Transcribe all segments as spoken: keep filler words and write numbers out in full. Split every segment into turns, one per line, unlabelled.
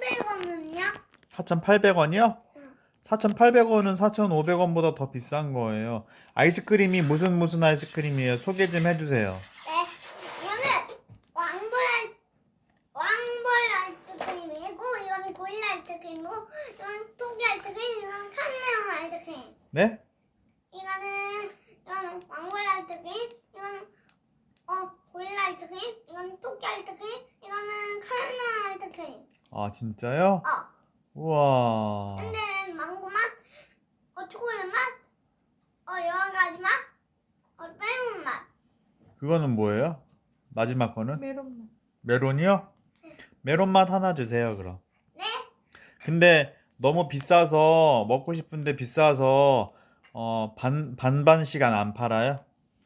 사천팔백 원은요?
사천팔백 원이요? 사천팔백 원은 사천오백 원보다 더 비싼 거예요. 아이스크림이 무슨 무슨 아이스크림이에요? 소개 좀 해주세요.
네, 이거는 왕벌 왕벌 아이스크림이고, 이거는 고릴라 아이스크림이고, 이거는 토끼 아이스크림, 이거는 카멜레온 아이스크림.
네?
이거는 이거는 왕벌 아이스크림, 이거는 어 고릴라 아이스크림, 이거는 토끼 아이스크림, 이거는 카멜레온 아이스크림.
아 진짜요?
어.
우와.
근데 망고 맛, 어 초콜릿 맛, 어 여러 가지 맛, 어 매운 맛.
그거는 뭐예요? 마지막 거는?
메론.
메론이요? 메론 맛 하나 주세요 그럼.
네?
근데 너무 비싸서 먹고 싶은데 비싸서 어, 반, 반반 시간 안 팔아요?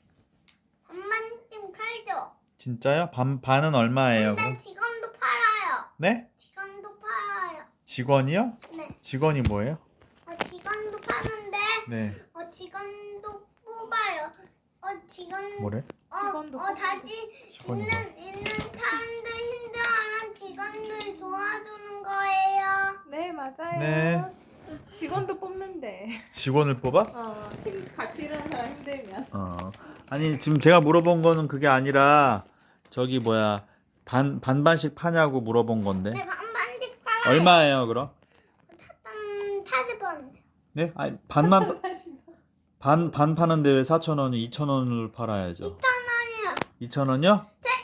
엄만 좀 팔죠.
진짜요? 반, 반은 얼마예요
근데
그럼?
직원도 팔아요.
네?
직원도 팔아요.
직원이요?
네.
직원이 뭐예요?
어 직원도 파는데,
네.
어 직원도 뽑아요. 어 직원.
뭐래?
어,
직원도
어 다시
직원이
있는 있는 사람들 힘들어하면 직원들 도와주는 거예요.
네, 맞아요.
네.
직원도 뽑는데.
직원을 뽑아?
어, 힘, 같이 일하는 사람 힘들면.
어. 아니 지금 제가 물어본 거는 그게 아니라 저기 뭐야 반, 반반씩 파냐고 물어본 건데
네, 반반씩 팔아요.
얼마예요 그럼?
음, 사십 원.
네? 아니 반만 반, 반 파는데 왜 사천 원이 이천 원을 팔아야죠?
이천 원이요.
이천 원이요?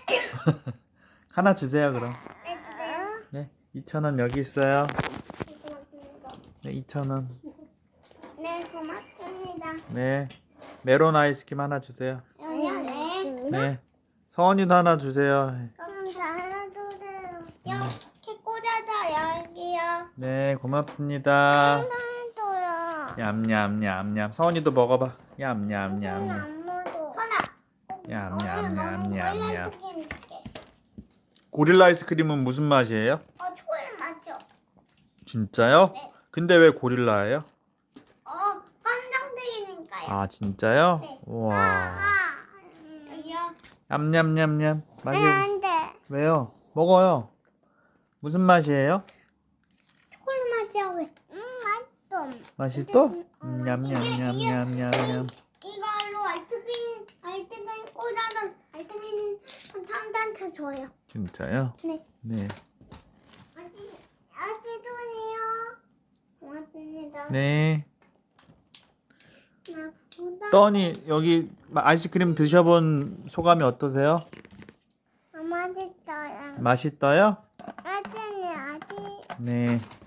하나 주세요 그럼.
네, 주세요.
네, 이천 원 여기 있어요.
고맙습니다.
네, 이천 원.
네, 고맙습니다.
네, 메론 아이스크림 하나 주세요.
여기요? 네.
네, 서원이도 하나 주세요.
그럼 하나 주세요. 이렇게 꽂아서 여기요.
네, 고맙습니다.
하나도요.
얌얌얌얌. 서원이도 먹어봐. 얌얌얌얌.
안무도. 하나.
얌얌얌얌얌.
얌얌.
고릴라 아이스크림은 무슨 맛이에요?
어, 초콜릿 맛이요.
진짜요?
네.
근데 왜 고릴라예요?
어, 깜장색이니까요.
아, 진짜요?
네.
우와.
아, 음, 여기요.
얌얌얌얌. 맛이
네, 안 돼.
왜요? 먹어요. 무슨 맛이에요?
초콜릿 맛이야, 왜? 음, 맛있어.
맛있어? 음, 냠냠냠냠냠냠.
이걸로 아이스크림, 아이스크림 꽂아서 아이스크림 삼단차 줘요.
진짜요?
네.
네.
아직, 아직도요. 고맙습니다.
네.
나보다
떠니 여기 아이스크림 드셔본 소감이 어떠세요?
맛있어요.
맛있어요?
아직은 아직.
네.